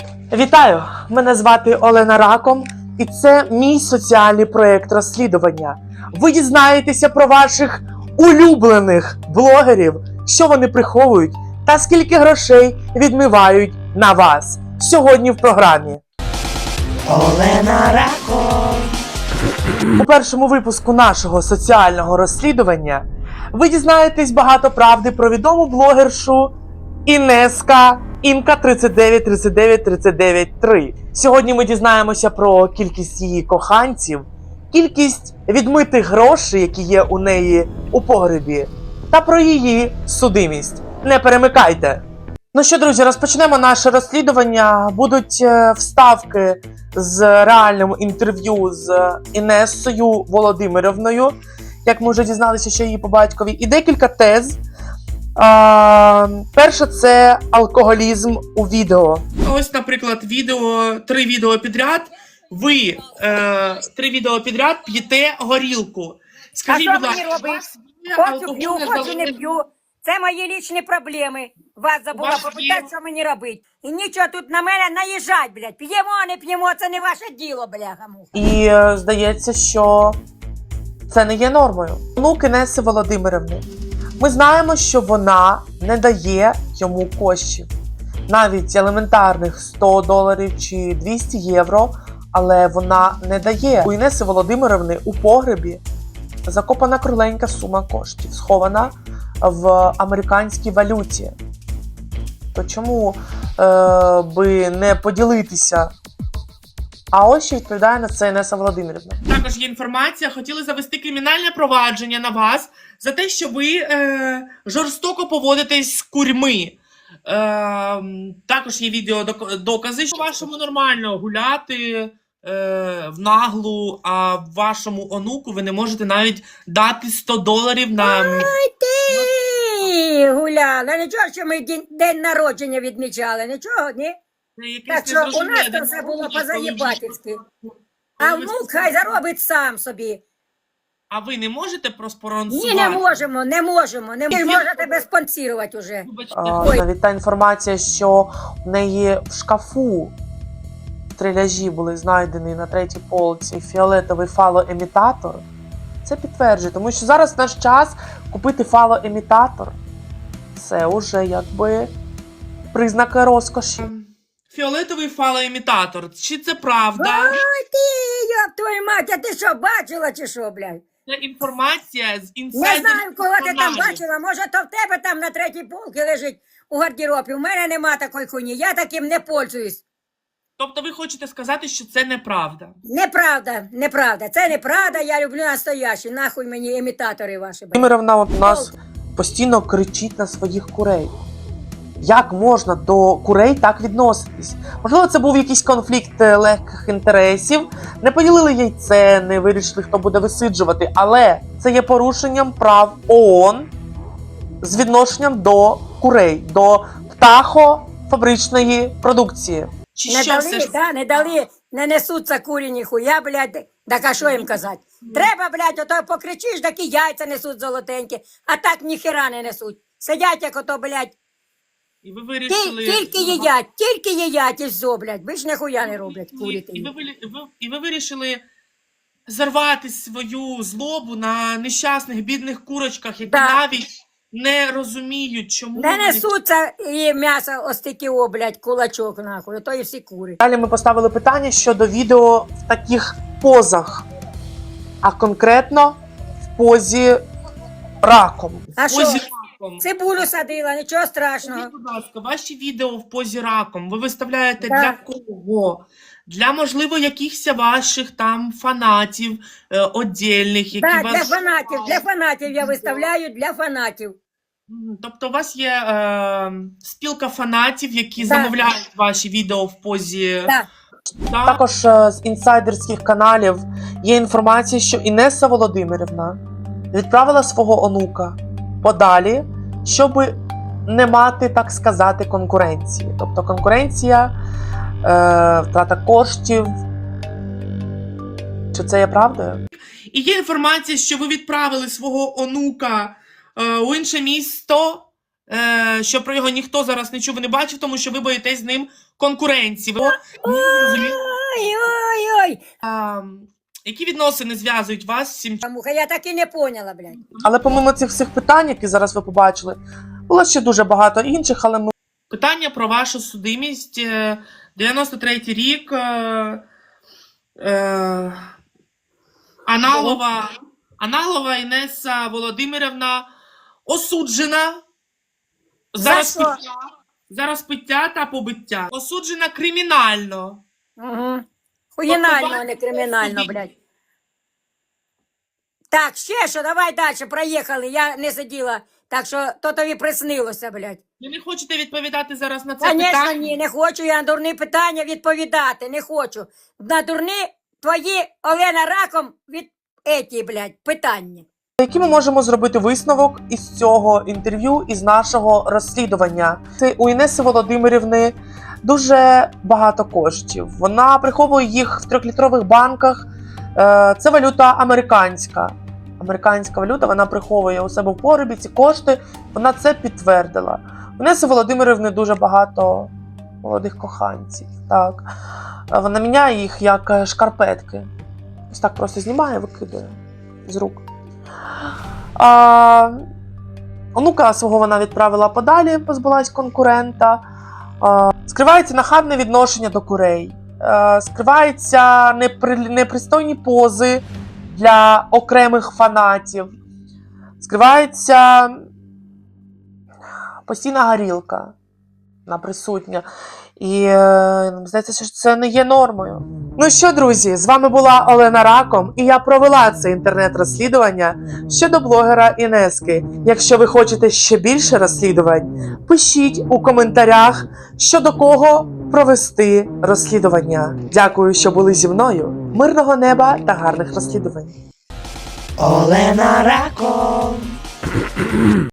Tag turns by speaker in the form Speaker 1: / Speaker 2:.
Speaker 1: Вітаю! Мене звати Олена Раком, і це мій соціальний проєкт розслідування. Ви дізнаєтеся про ваших улюблених блогерів, що вони приховують та скільки грошей відмивають на вас. Сьогодні в програмі. Олена Раком. У першому випуску нашого соціального розслідування ви дізнаєтесь багато правди про відому блогершу Інка 3939393. Сьогодні ми дізнаємося про кількість її коханців, кількість відмитих грошей, які є у неї у погребі, та про її судимість. Не перемикайте! Ну що, друзі, розпочнемо наше розслідування. Будуть вставки з реальним інтерв'ю з Інесою Володимирівною, як ми вже дізналися, що її по батькові, і декілька тез. Перше, це алкоголізм у відео. Ось, наприклад, три відео підряд. Ви 3 відео підряд п'єте горілку. Скажіть, будь ласка,
Speaker 2: хочу п'ю, хочу не п'ю. Це мої лічні проблеми. Вас забула попитати, що мені робити. І нічого тут на мене наїжджать, блядь. П'ємо, не п'ємо, це не ваше діло, бляха-муха.
Speaker 1: І здається, що це не є нормою. Онук Інеси Володимирівни. Ми знаємо, що вона не дає йому коштів. Навіть елементарних $100 чи 200 євро, але вона не дає. У Інеси Володимирівни у погребі закопана кругленька сума коштів, схована в американській валюті. То чому би не поділитися? А ось що відповідає на це Інеса Володимирівна. Також є інформація, хотіли завести кримінальне провадження на вас за те, що ви жорстоко поводитесь з курьми. Також є відеодокази, що вашому нормально гуляти в наглу, а вашому онуку ви не можете навіть дати $100 на...
Speaker 2: Ай ти гуляла, нічого, що ми день народження відмічали, нічого, ні? Так що у нас там все було позаєбательськи. А внук хай заробить сам собі.
Speaker 1: А ви не можете проспонсорувати?
Speaker 2: Ні, не можемо. Не можете тебе спонсорувати уже.
Speaker 1: Навіть та інформація, що в неї в шкафу стреляжі були знайдені на 3-й полці фіолетовий фалоемітатор, це підтверджує, тому що зараз наш час купити фалоемітатор – це вже якби признак розкоші. Фіолетовий фалоемітатор. Чи це правда?
Speaker 2: Ой ти, ёб твою мать, а ти що, бачила чи що, блядь?
Speaker 1: Це інформація з
Speaker 2: Не
Speaker 1: інсайдерських
Speaker 2: знаю, кого ти там
Speaker 1: каналів.
Speaker 2: бачила, може то в тебе там на 3-й полці лежить у гардеробі. У мене нема такої хуйні, я таким не пользуюсь.
Speaker 1: Тобто ви хочете сказати, що це неправда?
Speaker 2: Неправда. Це неправда, я люблю настоящі. Нахуй мені імітатори ваші.
Speaker 1: Володимирівна у нас постійно кричить на своїх курей. Як можна до курей так відноситись? Можливо, це був якийсь конфлікт легких інтересів, не поділили яйце, не вирішили, хто буде висиджувати, але це є порушенням прав ООН з відношенням до курей, до птахофабричної продукції.
Speaker 2: Не дали, не несуться курі ніхуя, блядь, так а що їм казати? Треба, блядь, ото покричиш, так і яйця несуть золотенькі, а так ніхера не несуть. Сидять, як ото, блядь,
Speaker 1: і ви вирішили...
Speaker 2: тільки їдять і все, блядь, більш ніхуя не роблять курі.
Speaker 1: І ви вирішили зарвати свою злобу на нещасних, бідних курочках, які навіть не розуміють, чому...
Speaker 2: Не несуться і м'ясо остикіо, блядь, кулачок, нахуй, то і всі кури.
Speaker 1: Далі ми поставили питання щодо відео в таких позах, а конкретно в позі раком.
Speaker 2: А що? Цибулю садила, нічого страшного.
Speaker 1: Скажіть, будь ласка, ваші відео в позі раком ви виставляєте для кого? Для, можливо, якихось ваших там фанатів одільних, які вас...
Speaker 2: для фанатів я виставляю, для фанатів.
Speaker 1: Тобто у вас є спілка фанатів, які замовляють ваші відео в позі... Також з інсайдерських каналів є інформація, що Інеса Володимирівна відправила свого онука подалі, щоб не мати, так сказати, конкуренції. Тобто конкуренція, втрата коштів. Чи це є правдою? І є інформація, що ви відправили свого онука у інше місто, що про його ніхто зараз не чув і не бачив, тому що ви боїтесь з ним конкуренції.
Speaker 2: Ой-ой-ой.
Speaker 1: Які відносини зв'язують вас з цим?
Speaker 2: Муха, я так і не поняла, блядь.
Speaker 1: Але помимо цих всіх питань, які зараз ви побачили, було ще дуже багато інших, але ми... Питання про вашу судимість. 93-й рік. Аналова Інеса Володимирівна осуджена за розпиття та побиття. Осуджена кримінально.
Speaker 2: Угу. Хуєнально, а не кримінально, блядь. Так, ще що, давай далі, проїхали. Я не сиділа, так що то тобі приснилося, блядь.
Speaker 1: Ви не хочете відповідати зараз на це
Speaker 2: Звісно,
Speaker 1: питання?
Speaker 2: ні, не хочу я на дурні питання відповідати, не хочу. На дурні твої, Олена, раком від еті, блядь, питання.
Speaker 1: Який ми можемо зробити висновок із цього інтерв'ю, із нашого розслідування? Це у Інеси Володимирівни дуже багато коштів. Вона приховує їх в 3-літрових банках. Це валюта американська. Американська валюта, вона приховує у себе в погребі ці кошти. Вона це підтвердила. У Інеси Володимирівни дуже багато молодих коханців. Так. Вона міняє їх як шкарпетки. Ось так просто знімає, викидає з рук. Онука свого вона відправила подалі, позбулась конкурента. Скривається нахабне відношення до курей. Скриваються непристойні пози для окремих фанатів. Скривається постійна горілка. Вона присутня. І здається, що це не є нормою. Ну що, друзі, з вами була Олена Раком, і я провела це інтернет-розслідування щодо блогера Інески. Якщо ви хочете ще більше розслідувань, пишіть у коментарях, щодо кого провести розслідування. Дякую, що були зі мною. Мирного неба та гарних розслідувань. Олена Раком.